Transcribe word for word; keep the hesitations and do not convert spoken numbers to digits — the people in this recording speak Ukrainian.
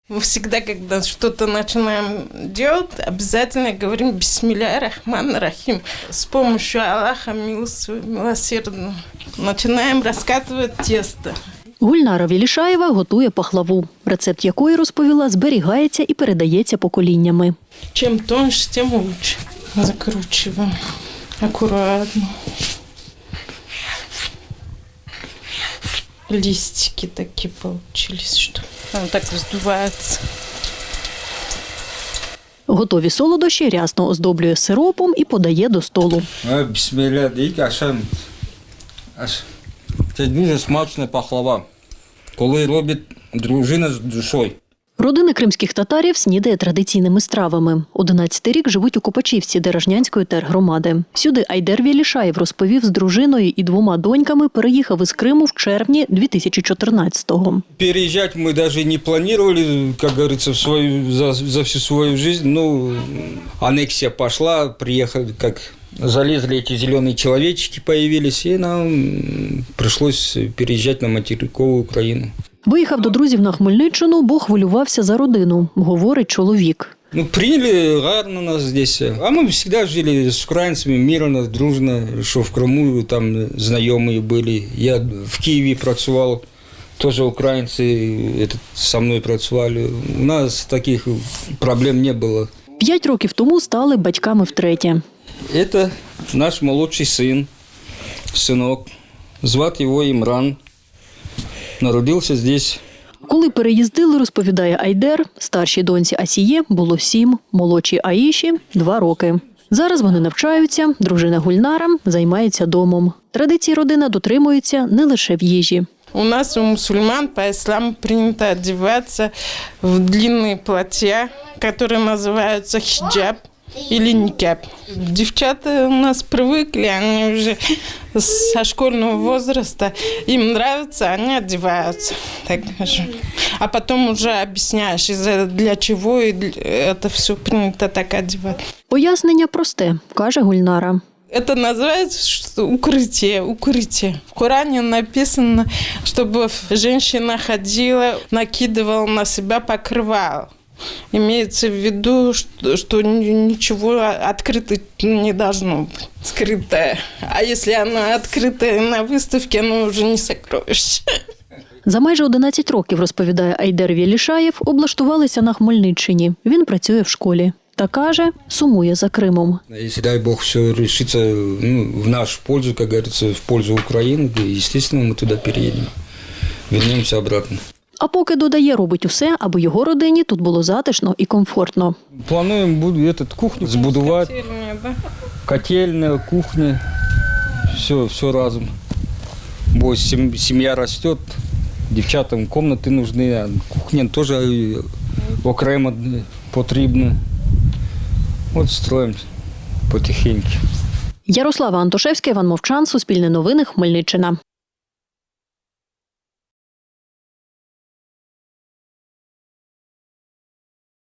Всегда, когда что-то начинаем делать, обязательно говорим «Бисмилля рахман рахим». С помощью Аллаха милосердного начинаем раскатывать тесто. Гульнара Велішаєва готує пахлаву, рецепт якої, розповіла, зберігається і передається поколіннями. Чим тоньше, тим лучше. Закручиваем аккуратно. Листики такие получились, что он так раздувается. Готові солодощі рясно оздоблює сиропом і подає до столу. Бісмілля, це дуже смачна пахлава, коли робить дружина з душою. Родина кримських татарів снідає традиційними стравами. Одинадцятий рік живуть у Копачівці Деражнянської тергромади. Сюди Айдер Велішаєв, розповів, з дружиною і двома доньками переїхав із Криму в червні дві тисячі чотирнадцятого. Переїжджати ми навіть не планували, як говориться, в свою, за, за всю свою життя. Ну, анексія пішла, приїхали, як залезли эти зеленые человечки, появились, и нам пришлось переезжать на материковую Украину. Виїхав до друзів на Хмельниччину, бо хвилювався за родину, говорить чоловік. Ну, приняли гарно нас здесь. А мы всегда жили с украинцами мирно, дружно, что в Крыму там знакомые были. Я в Киеве працював, тоже украинцы этот, со мной працювали. У нас таких проблем не было. П'ять років тому стали батьками втретє. Это наш молодший сын, сынок. Звати його Імран. Народився здесь. Коли переїздили, розповідає Айдер, старшій доньці Асіє було сім, молодшій Аїші – два роки. Зараз вони навчаються, дружина Гульнара займається домом. Традиції родина дотримується не лише в їжі. У нас, у мусульман, по исламу принято одеваться в длинные платья, которые называются хиджаб или никяб. Девчата у нас привыкли, они уже со школьного возраста, им нравится, они одеваются, так скажем. А потом уже объясняешь, для чего это все принято так одевать. Пояснення просте, каже Гульнара. Это называется что укрытие, укрытие. В Коране написано, чтобы женщина ходила, накидывала на себя покрывало. Имеется в виду, что, что ничего открыто не должно быть, скрытое. А если она открытая на выставке, оно уже не сокровище. За майже одинадцять років, розповідає Айдер Велішаєв, облаштувалися на Хмельниччині. Він працює в школі. Та каже, сумує за Кримом. Если, дай Бог, все решится ну, в нашу пользу, как говорится, в пользу Украины, естественно, мы туда переедем. Вернемся обратно. А поки, додає, робить усе, аби його родині тут було затишно і комфортно. Плануем буду этот кухню збудувати, Котельная, да? котельная, кухня, все, все разом. Бо семья растет, дівчатам комнати нужны, а кухня теж окремо потрібна. От строїмо потихеньку. Ярослава Антошевська, Іван Мовчан, Суспільне новини, Хмельниччина.